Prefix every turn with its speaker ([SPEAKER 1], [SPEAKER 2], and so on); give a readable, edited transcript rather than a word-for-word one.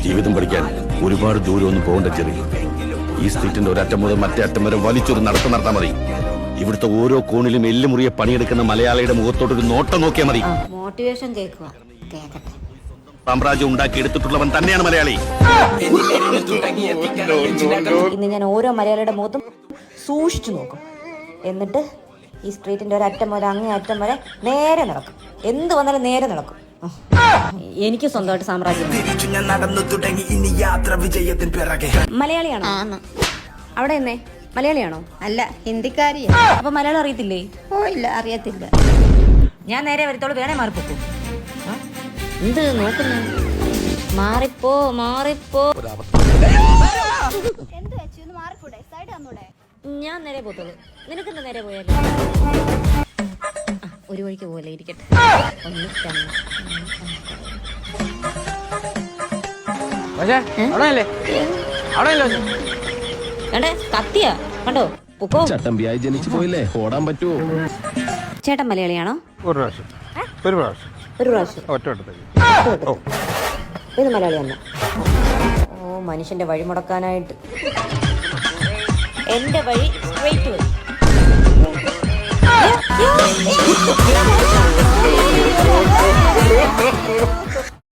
[SPEAKER 1] ജീവിതം പഠിക്കാൻ ഒരുപാട് ദൂരമൊന്നും പോകേണ്ട ചെറിയ ഈ സ്ട്രീറ്റിന്റെ ഒരറ്റം മുതൽ മറ്റേ അറ്റം വരെ വലിച്ചൊരു നടത്തം നടത്താൻ മതി. ഇവിടുത്തെ ഓരോ കോണിലും എല്ലുമുറിയെ പണിയെടുക്കുന്ന മലയാളിയുടെ മുഖത്തോട്ടൊരു നോട്ടം നോക്കിയാൽ മതി.
[SPEAKER 2] മോട്ടിവേഷൻ കേൾക്കുക, കേക്കട്ടെ.
[SPEAKER 1] സാമ്രാജ്യം ഉണ്ടാക്കി എടുത്തിട്ടുള്ളവൻ തന്നെയാണ് മലയാളി.
[SPEAKER 2] ഇന്ന് ഞാൻ ഓരോ മലയാളിയുടെ മുഖത്തും സൂക്ഷിച്ചു നോക്കും. എന്നിട്ട് ഈ സ്ട്രീറ്റിന്റെ ഒരറ്റം മുതൽ അങ്ങേ അറ്റം വരെ നേരെ നടക്കും. എന്ത് വന്നാലും നേരെ നടക്കും. എനിക്ക് സ്വന്തമായിട്ട് സാമ്രാജ്യം. മലയാളിയാണോ? അവിടെ എന്നേ മലയാളിയാണോ?
[SPEAKER 3] അല്ല, ഹിന്ദിക്കാരിയാ.
[SPEAKER 2] അപ്പൊ മലയാളം അറിയത്തില്ലേ?
[SPEAKER 3] ഓ ഇല്ല, അറിയത്തില്ല.
[SPEAKER 2] ഞാൻ നേരെ വരത്തോളൂ, വേണേ മാറിപ്പോക്കൂ. എന്ത് നോക്കുന്നു? മാറിപ്പോ മാറിപ്പോ. ഞാൻ നേരെ പോത്തോളൂ. നിനക്കെന്താ നേരെ പോയാലോ? ഒരു വഴിക്ക് പോലെ ഇരിക്കട്ടെ. കത്തിയാ കണ്ടോ? പൊക്കോ.
[SPEAKER 4] ചട്ടമ്പിയായി ജനിച്ചു പോയില്ലേ, ഓടാൻ പറ്റുമോ?
[SPEAKER 2] ചേട്ടൻ മലയാളിയാണോ?
[SPEAKER 5] ഒരു പ്രാവശ്യം.
[SPEAKER 2] ഇത് മലയാളിയാണ്. ഓ, മനുഷ്യന്റെ വഴി മുടക്കാനായിട്ട് എന്റെ വഴി സ്ട്രെയിറ്റ് വഴി.